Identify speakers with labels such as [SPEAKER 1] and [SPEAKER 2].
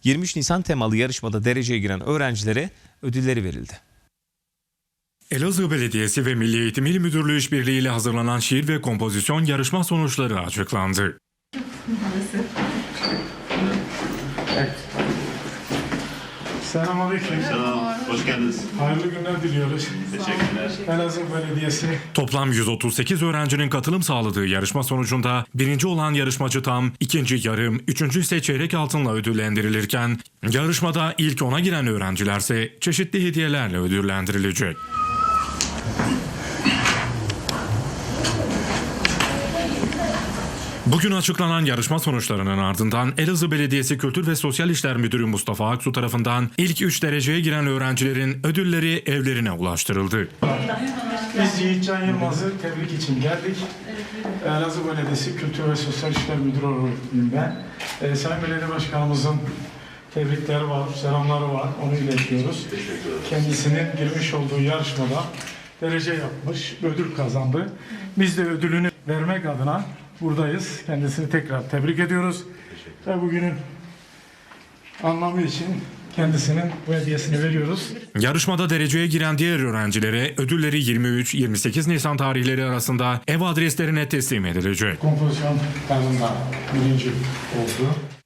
[SPEAKER 1] 23 Nisan temalı yarışmada dereceye giren öğrencilere ödülleri verildi.
[SPEAKER 2] Elazığ Belediyesi ve Milli Eğitim İl Müdürlüğü işbirliğiyle hazırlanan şiir ve kompozisyon yarışma sonuçları açıklandı.
[SPEAKER 3] Evet. Selamünaleyküm.
[SPEAKER 4] Selam, hoş geldiniz.
[SPEAKER 3] Hayırlı günler diliyoruz.
[SPEAKER 4] Teşekkürler.
[SPEAKER 3] Elazığ Belediyesi.
[SPEAKER 2] Toplam 138 öğrencinin katılım sağladığı yarışma sonucunda birinci olan yarışmacı tam, ikinci yarım, üçüncü ise çeyrek altınla ödüllendirilirken, yarışmada ilk 10'a giren öğrencilerse çeşitli hediyelerle ödüllendirilecek. Bugün açıklanan yarışma sonuçlarının ardından Elazığ Belediyesi Kültür ve Sosyal İşler Müdürü Mustafa Aksu tarafından ilk 3 dereceye giren öğrencilerin ödülleri evlerine ulaştırıldı.
[SPEAKER 3] Biz Yiğitcan Yılmaz'ı tebrik için geldik. Elazığ Belediyesi Kültür ve Sosyal İşler Müdürü olarak ben. Sayın Belediye Başkanımızın tebrikleri var, selamları var. Onu iletiyoruz. Kendisinin girmiş olduğu yarışmada derece yapmış, ödül kazandı. Biz de ödülünü vermek adına buradayız. Kendisini tekrar tebrik ediyoruz. Ve bugünün anlamı için kendisinin bu hediyesini veriyoruz.
[SPEAKER 2] Yarışmada dereceye giren diğer öğrencilere ödülleri 23-28 Nisan tarihleri arasında ev adreslerine teslim edilecek.
[SPEAKER 3] Kompozisyon tarzında birinci oldu.